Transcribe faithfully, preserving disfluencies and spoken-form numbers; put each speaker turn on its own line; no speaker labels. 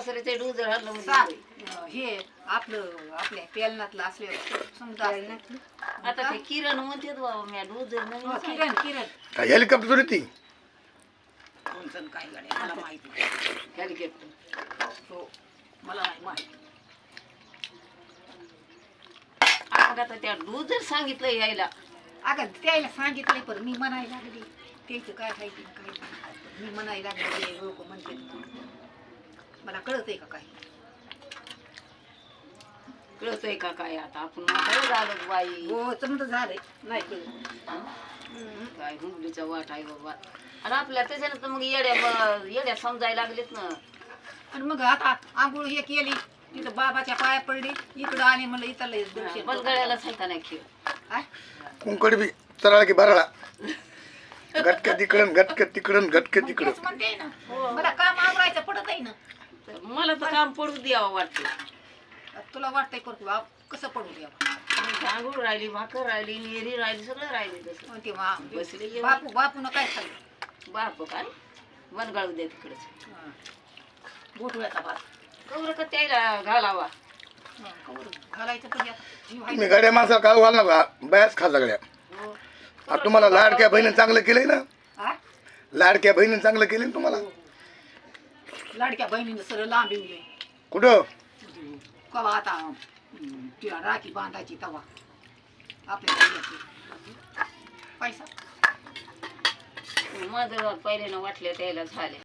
सासऱ्याचे dos घालणं
साप
म्हणजे
अं, हे आपलं आपल्या पेलनातलं असले समजा असतं.
आता ते किरण म्हणते बाबा मी डूज
हो, किरण किरण
काय हेलिकॉप्टर होती
कोणचं काय गाडी मला माहिती नाही.
हेलिकॉप्टर
हो मला नाही माहिती.
मग आता त्या डूज जर सांगितलं यायला
अगं त्याला सांगितलंय पण मी म्हणायला लागली त्याचं काय आहे ते काय नाही. मी म्हणायला लागले लोक म्हणते मला कळत आहे का काय.
कळतंय का काय आता आपण म्हातारं झालं बाई
हो समजा झालंय नाही कळत. हम्म.
काय हुंबलीचा वाट आहे बाबा आणि आपल्या त्याच्यानं तर मग येड्या ब- येड्या समजायला लागलेत ना
आणि मग आता आंघोळ हे केली तिथं बाबाच्या पाया पडली इकडं आले म्हणलं इथं लय दर्शन करू.
बलगड्याला सांगता नाही खेळ
काय?
कुंकड बी चराळा की बराळा गटक्या तिकडन गटक्या तिकडन गटक्या
मग
तिकडं
तेच म्हणते ना मला काम आवरायचं पडत आहे ना.
तर मला तर काम पडू द्यावं वाटतं
तुला वाटतंय करतो आप कसं पडू द्यावं.
आंघोळ राहिली भाकर राहिली नेरी राहिली सगळं राहिली तसं
मग ते मा-
बसले जेवण.
बापू बापून काय खाल्लं
बाप काय वनगाळू द्या तिकडच
गोठुळ्याचा भात
कवर का त्याला घालावा
हं, कवर घालायचं पण यात जीव आहे.
तुम्ही गाड्या माणसाला काढू घाल नका बयाच खा सगळ्या
हो.
आता तुम्हाला लाडक्या बहिणीने चांगलं केलंय ना
हा?
लाडक्या बहिणीने चांगलं केलंय ना तुम्हाला
लाडक्या बहिणीनं सरळ लांब येऊ
कुठं
कवा आता हं, तिला राखी बांधायची तवा आपल्या घरी पैसा
माझं पहिल्यानं वाटलं त्याला झाले